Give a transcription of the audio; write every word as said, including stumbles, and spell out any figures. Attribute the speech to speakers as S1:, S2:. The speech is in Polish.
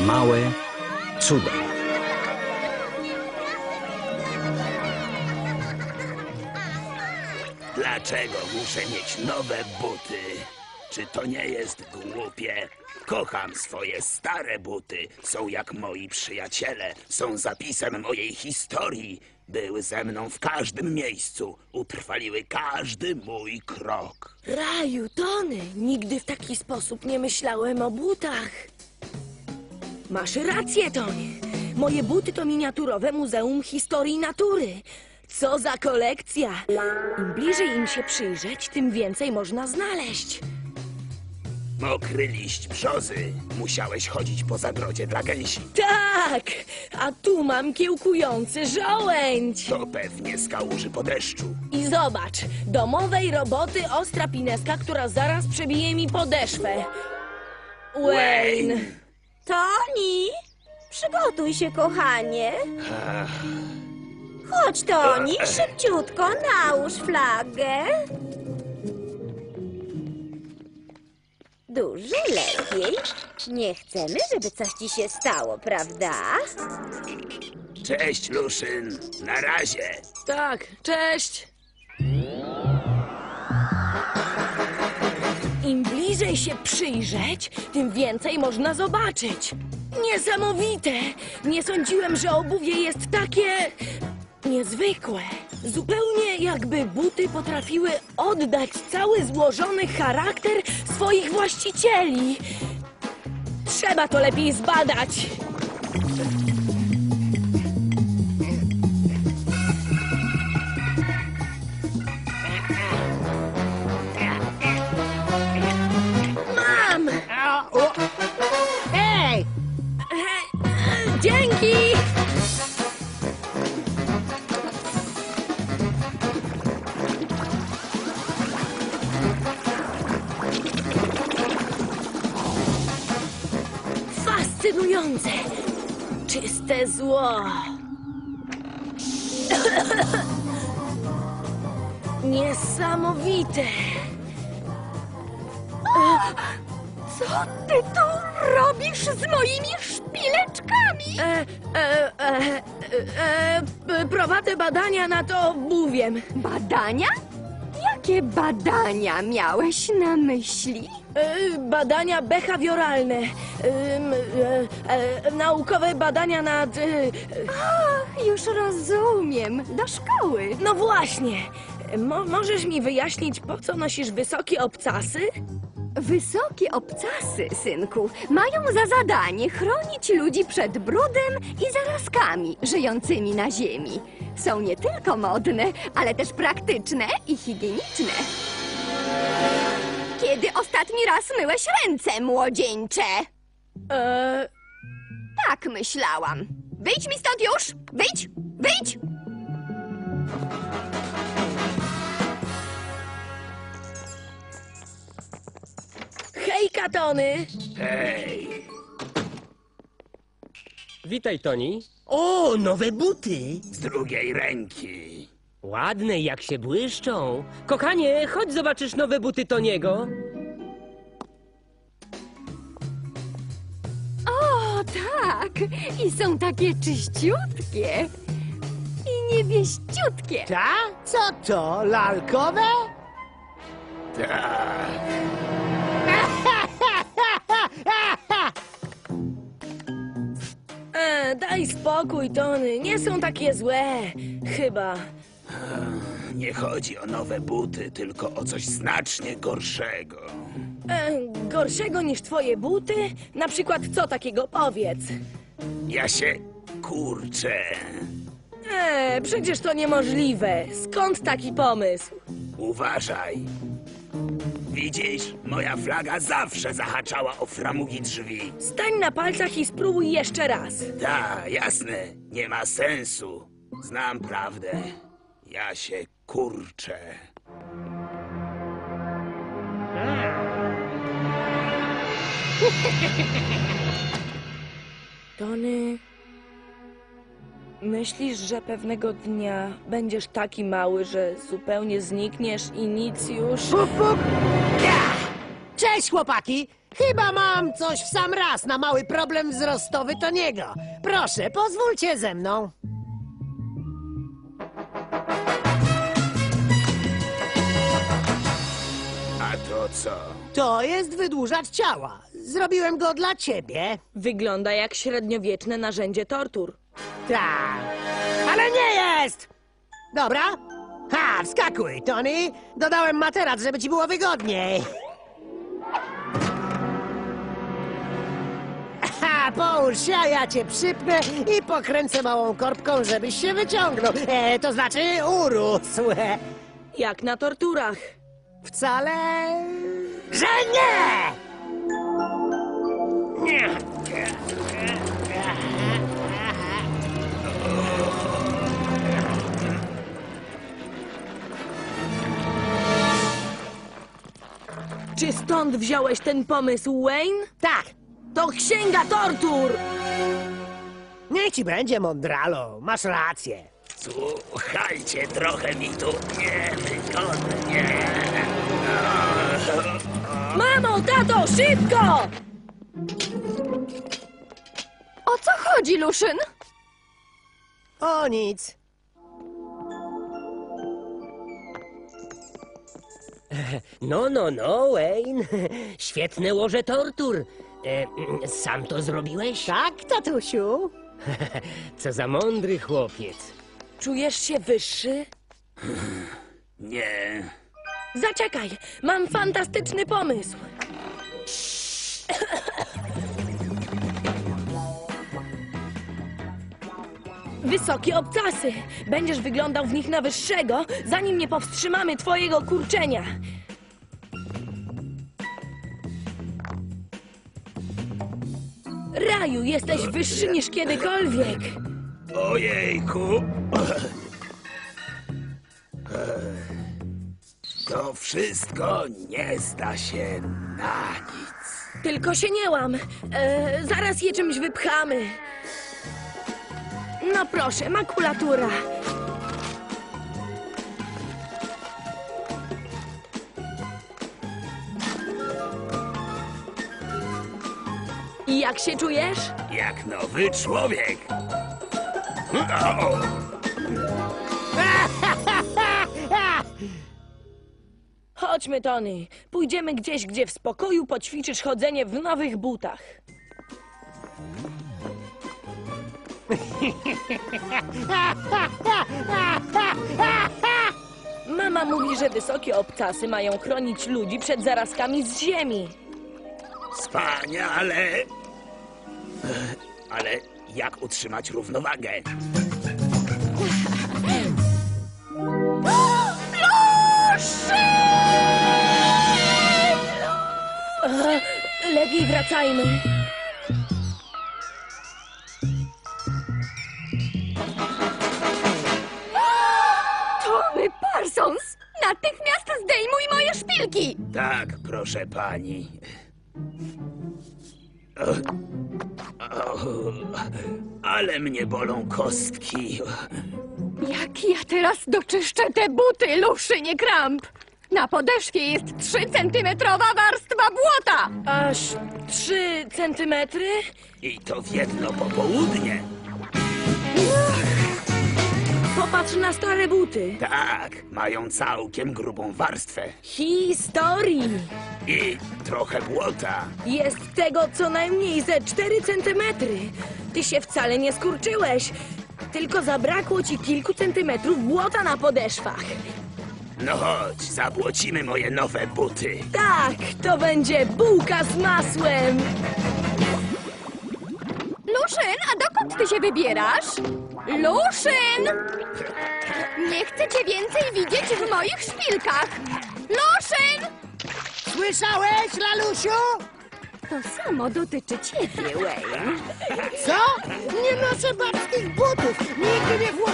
S1: Małe cuda.
S2: Dlaczego muszę mieć nowe buty? Czy to nie jest głupie? Kocham swoje stare buty. Są jak moi przyjaciele. Są zapisem mojej historii. Były ze mną w każdym miejscu. Utrwaliły każdy mój krok.
S3: Raju, Tony, nigdy w taki sposób nie myślałem o butach. Masz rację, Tony. Moje buty to miniaturowe Muzeum Historii Natury. Co za kolekcja! Im bliżej im się przyjrzeć, tym więcej można znaleźć.
S2: Mokry liść brzozy. Musiałeś chodzić po zagrodzie dla gęsi.
S3: Tak! A tu mam kiełkujący żołędź.
S2: To pewnie z kałuży po deszczu.
S3: I zobacz, domowej roboty ostra pineska, która zaraz przebije mi podeszwę. Wayne!
S4: Toni, przygotuj się, kochanie. Chodź, Toni, szybciutko nałóż flagę. Dużo lepiej. Nie chcemy, żeby coś ci się stało, prawda?
S2: Cześć, Luszyn. Na razie.
S3: Tak, cześć! Im bliżej się przyjrzeć, tym więcej można zobaczyć. Niesamowite! Nie sądziłem, że obuwie jest takie... niezwykłe. Zupełnie jakby buty potrafiły oddać cały złożony charakter swoich właścicieli. Trzeba to lepiej zbadać. Mam!
S5: Hej!
S3: Dzięki! Fascynujące! Czyste zło! Niesamowite!
S4: Co ty tu robisz z moimi szpileczkami?
S3: E, e, e, e, e, prowadzę badania nad obuwiem.
S4: Badania? Jakie badania miałeś na myśli?
S3: E, badania behawioralne. E, e, e, naukowe badania nad... E,
S4: Ach, już rozumiem. Do szkoły.
S3: no właśnie. Mo, możesz mi wyjaśnić, po co nosisz wysokie obcasy?
S4: Wysokie obcasy, synku, mają za zadanie chronić ludzi przed brudem i zarazkami żyjącymi na ziemi. Są nie tylko modne, ale też praktyczne i higieniczne. Kiedy ostatni raz myłeś ręce, młodzieńcze?
S3: E,
S4: Tak myślałam. Wyjdź mi stąd już! Wyjdź! Wyjdź!
S3: hejka, Tony!
S2: Hej.
S5: Witaj, Toni.
S6: O, nowe buty!
S2: Z drugiej ręki.
S5: Ładne, jak się błyszczą. Kochanie, chodź zobaczysz nowe buty Toniego.
S4: O, tak! I są takie czyściutkie i niewieściutkie.
S6: Ta? Co to, lalkowe?
S2: Tak.
S3: E, daj spokój, Tony. Nie są takie złe. Chyba.
S2: Nie chodzi o nowe buty, tylko o coś znacznie gorszego.
S3: E, gorszego niż twoje buty? Na przykład co takiego, powiedz?
S2: Ja się kurczę.
S3: E, przecież to niemożliwe. Skąd taki pomysł?
S2: Uważaj. Widzisz? Moja flaga zawsze zahaczała o framugi drzwi.
S3: Stań na palcach i spróbuj jeszcze raz.
S2: Ta, jasne. Nie ma sensu. Znam prawdę. Ja się kurczę.
S3: Tony, myślisz, że pewnego dnia będziesz taki mały, że zupełnie znikniesz i nic już...
S6: Puk, puk. Ja! Cześć, chłopaki! Chyba mam coś w sam raz na mały problem wzrostowy Toniego. Proszę, pozwólcie ze mną.
S2: A to co?
S6: To jest wydłużacz ciała. Zrobiłem go dla ciebie.
S3: Wygląda jak średniowieczne narzędzie tortur.
S6: Tak, ale nie jest! Dobra? Ha, wskakuj, Tony. Dodałem materac, żeby ci było wygodniej. Ha, połóż się, a ja cię przypnę i pokręcę małą korbką, żebyś się wyciągnął. E, to znaczy urósł.
S3: Jak na torturach.
S6: Wcale... że nie! Nie.
S3: Czy stąd wziąłeś ten pomysł, Wayne?
S6: Tak,
S3: To księga tortur!
S6: niech ci będzie, Mondralo. Masz rację.
S2: Słuchajcie, trochę mi tu niewygodnie.
S3: Mamo, tato, szybko!
S4: O co chodzi, Luszyn?
S6: O nic.
S5: No, no, no, Wayne. Świetne łoże tortur. E, mm, sam to zrobiłeś?
S6: Tak, tatusiu?
S5: Co za mądry chłopiec.
S3: Czujesz się wyższy?
S2: Nie.
S3: Zaczekaj, mam fantastyczny pomysł. Wysokie obcasy. Będziesz wyglądał w nich na wyższego, zanim nie powstrzymamy twojego kurczenia. Raju, jesteś wyższy niż kiedykolwiek.
S2: Ojejku. To wszystko nie zda się na nic.
S3: Tylko się nie łam. E, zaraz je czymś wypchamy. No proszę, makulatura. I jak się czujesz?
S2: Jak nowy człowiek. O,
S3: Chodźmy, Tony. Pójdziemy gdzieś, gdzie w spokoju poćwiczysz chodzenie w nowych butach. Mama mówi, że wysokie obcasy mają chronić ludzi przed zarazkami z ziemi.
S2: wspaniale. Ale jak utrzymać równowagę?
S3: E, lepiej wracajmy.
S4: Tony Parsons! Natychmiast zdejmuj moje szpilki!
S2: Tak, proszę pani. O, o, ale mnie bolą kostki.
S4: Jak ja teraz doczyszczę te buty, Luszynie Kramp? Na podeszwie jest trzycentymetrowa warstwa błota!
S3: Aż trzy centymetry?
S2: I to w jedno popołudnie.
S3: Popatrz na stare buty.
S2: Tak, mają całkiem grubą warstwę.
S3: Historii.
S2: I trochę błota.
S3: Jest tego co najmniej ze cztery centymetry. Ty się wcale nie skurczyłeś. Tylko zabrakło ci kilku centymetrów błota na podeszwach.
S2: No chodź, zabłocimy moje nowe buty.
S3: Tak, to będzie bułka z masłem.
S4: Luszyn, a dokąd ty się wybierasz? Luszyn! Nie chcę cię więcej widzieć w moich szpilkach! Luszyn!
S6: Słyszałeś, Lalusiu?
S4: To samo dotyczy ciebie, Wayne.
S6: Co? Nie noszę babskich butów. Nigdy nie włożę